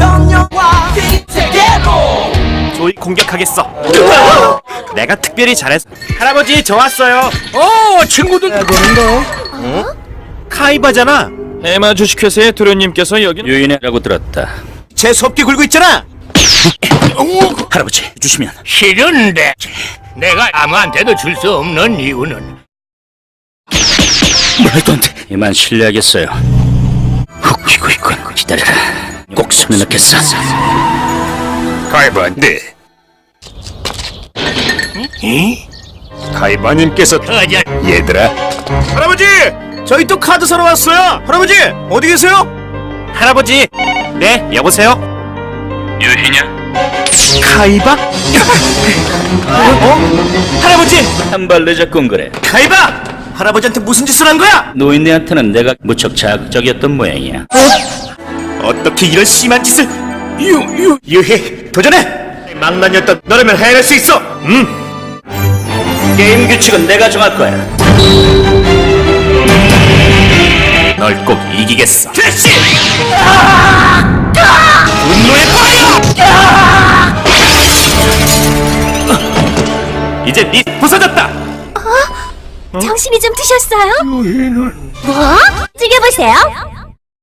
정령과 세계로 조이 공격하겠어. 내가 특별히 잘했어. 할아버지 저 왔어요. 친구들 카이바잖아. 해마 주식회사의 도련님께서 여기 유인해라고 들었다. 재수없게 굴고 있잖아. 할아버지 주시면 싫은데 내가 아무한테도 줄 수 없는 이유는 말도 안 돼. 이만 실례하겠어요. 훅 이거 기다려라. 꼭 손에 넣겠어. 가이바 네 카이바님께서 터져 얘들아. 할아버지 저희 또 카드 사러 왔어요. 할아버지 어디 계세요? 할아버지 네 여보세요. 유희냐? 카이바? 할아버지 한 발 늦었군 그래. 카이바 할아버지한테 무슨 짓을 한 거야? 노인네한테는 내가 무척 자극적이었던 모양이야. 어떻게 이런 심한 짓을? 유희 도전해. 망나니였던 너라면 해낼 수 있어. 게임 규칙은 내가 정할 거야. 널 꼭 이기겠어. 대시! 분노의 파이어! 이제 네 부서졌다. 정신이 좀 드셨어요? 뭐? 즐겨보세요.